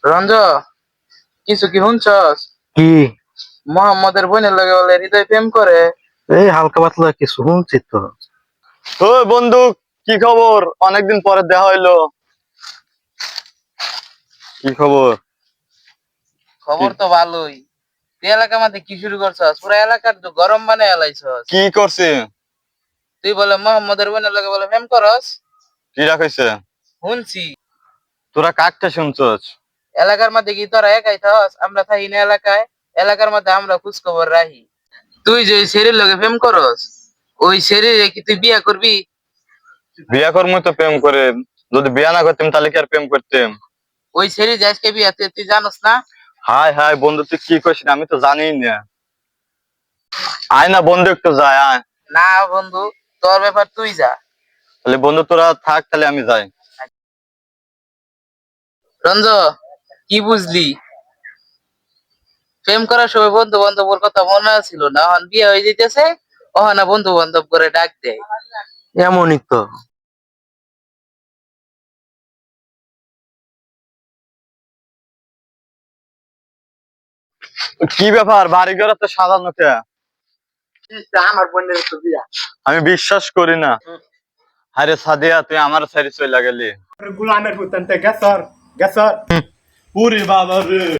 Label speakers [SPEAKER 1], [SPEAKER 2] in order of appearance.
[SPEAKER 1] রঞ্জ, কিছু কি শুনছস?
[SPEAKER 2] কি?
[SPEAKER 1] মোহাম্মদের বোনের লগে বলে হৃদয় প্রেম করে।
[SPEAKER 2] এই হালকা পাতলা কিছু শুনছি তো।
[SPEAKER 3] ওই বন্ধু, কি খবর? অনেকদিন পরে দেখা হইলো। কি খবর?
[SPEAKER 1] খবর তো ভালোই। তুই এলাকার মধ্যে কি শুরু করছস? পুরা এলাকার তো গরম বানায় এলাইছস।
[SPEAKER 3] কি করছে?
[SPEAKER 1] তুই বলে মোহাম্মদের বোনের লগে বলে প্রেম করস।
[SPEAKER 3] কি রাখাইছে?
[SPEAKER 1] শুনছি।
[SPEAKER 3] তোরা কাকটা শুনছস?
[SPEAKER 1] এলাকার মধ্যে কি তোরা একাই থাকস? আমরা থাকি না এলাকায়। এলাকার মধ্যে আমরা খোঁজ খবর রাখি। তুই যে শরীর লগে প্রেম করস, ওই শরীরে কি তুই বিয়া করবি?
[SPEAKER 3] বিয়া করবো তো প্রেম করে। যদি বিয়া না করতাম তাহলে কি আর প্রেম করতাম?
[SPEAKER 1] ওই শরীর যে আজকে বিয়া তুই জানোস না?
[SPEAKER 3] হাই হাই বন্ধু, তুই কি করছিস আমি তো জানি না। আয় না বন্ধু, একটু যায় আয়।
[SPEAKER 1] না বন্ধু, তোর ব্যাপার তুই যা।
[SPEAKER 3] তাহলে বন্ধু তোরা থাক, তাহলে আমি যাই।
[SPEAKER 1] রঞ্জ, কি বুঝলি? প্রেম করার সময় বন্ধু বান্ধবের কথা মনে ছিল না, এখন বিয়ে হয়ে যেতেছে, ওখানে বন্ধু বান্ধব করে ডাক দেয়।
[SPEAKER 2] এমনই তো।
[SPEAKER 3] কি ব্যাপার, বাড়ি ঘর তো সাজানো কে?
[SPEAKER 2] আমার বোনের তো বিয়া।
[SPEAKER 3] আমি বিশ্বাস করি না। আরে সাদিয়া, তুই আমার সাইডে চলে গেলি।
[SPEAKER 2] গুলামের হুতেন তে গেছর গেছর।
[SPEAKER 3] পুরি বাবা রে।